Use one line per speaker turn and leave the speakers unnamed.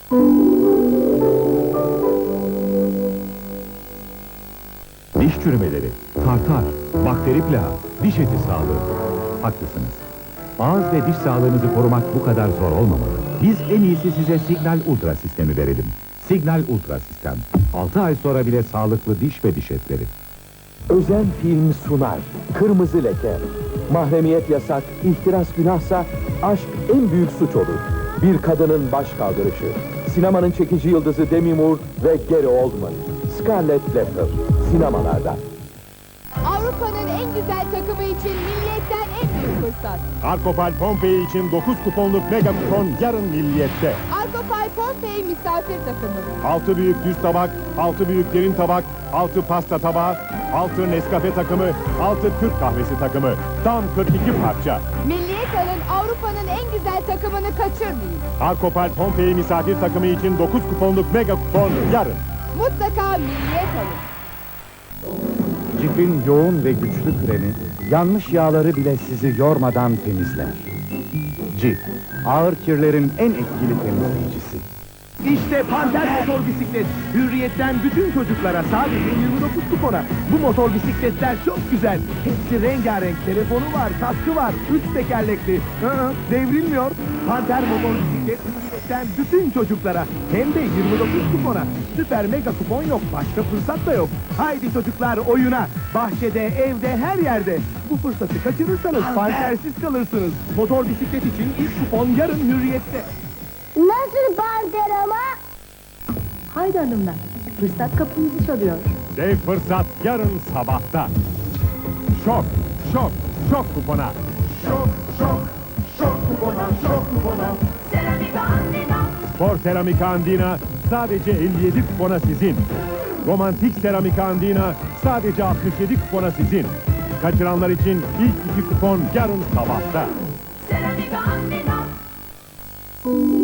Diş çürümeleri, tartar, bakteri plağı, diş eti sağlığı. Haklısınız. Ağız ve diş sağlığınızı korumak bu kadar zor olmamalı. Biz en iyisi size Signal Ultra sistemi verelim. Signal Ultra sistem. 6 ay sonra bile sağlıklı diş ve diş etleri.
Özen Film sunar. Kırmızı Leke. Mahremiyet yasak, ihtiras günahsa aşk en büyük suç olur. Bir kadının baş kaldırışı. Sinemanın çekici yıldızı Demi Moore ve Gary Oldman. Scarlett Letter. Sinemalarda.
Avrupa'nın en güzel takımı için Milliyet'ten en büyük fırsat.
Arkopal Pompei için 9 kuponluk mega kupon yarın Milliyet'te.
Arkopal Pompei misafir takımı.
6 büyük düz tabak, 6 büyük derin tabak, 6 pasta tabağı, 6 Nescafe takımı, 6 Türk kahvesi takımı. Tam 42 parça.
Milliyet alın, Avrupa'nın en güzel takımını kaçırmayın.
Arkopal Pompei misafir takımı için 9 kuponluk mega kupon yarın.
Mutlaka Milliyet alın.
Cif'in yoğun ve güçlü kremi, yanlış yağları bile sizi yormadan temizler. Cif, ağır kirlerin en etkili temizleyicisi.
İşte Panter motor bisiklet. Hürriyetten bütün çocuklara sadece 29 kupona. Bu motor bisikletler çok güzel. Hepsi rengarenk. Telefonu var, kaskı var, 3 tekerlekli. Devrilmiyor. Panter motor bisiklet Hürriyetten bütün çocuklara. Hem de 29 kupona. Süper mega kupon yok. Başka fırsat da yok. Haydi çocuklar oyuna. Bahçede, evde, her yerde. Bu fırsatı kaçırırsanız pantersiz kalırsınız. Motor bisiklet için ilk kupon yarın Hürriyet'te.
Nasıl panter ama?
Haydi hanımlar, fırsat kapımızı çalıyor.
Dev fırsat yarın sabahta. Şok, şok, şok kupona. Şok, şok, şok kupona, şok kupona.
Seramika Andina.
Spor Seramika Andina sadece 57 kupona sizin. Romantik Seramika Andina sadece 67 kupona sizin. Kaçıranlar için ilk 2 kupon yarın sabahta.
Seramika Andina.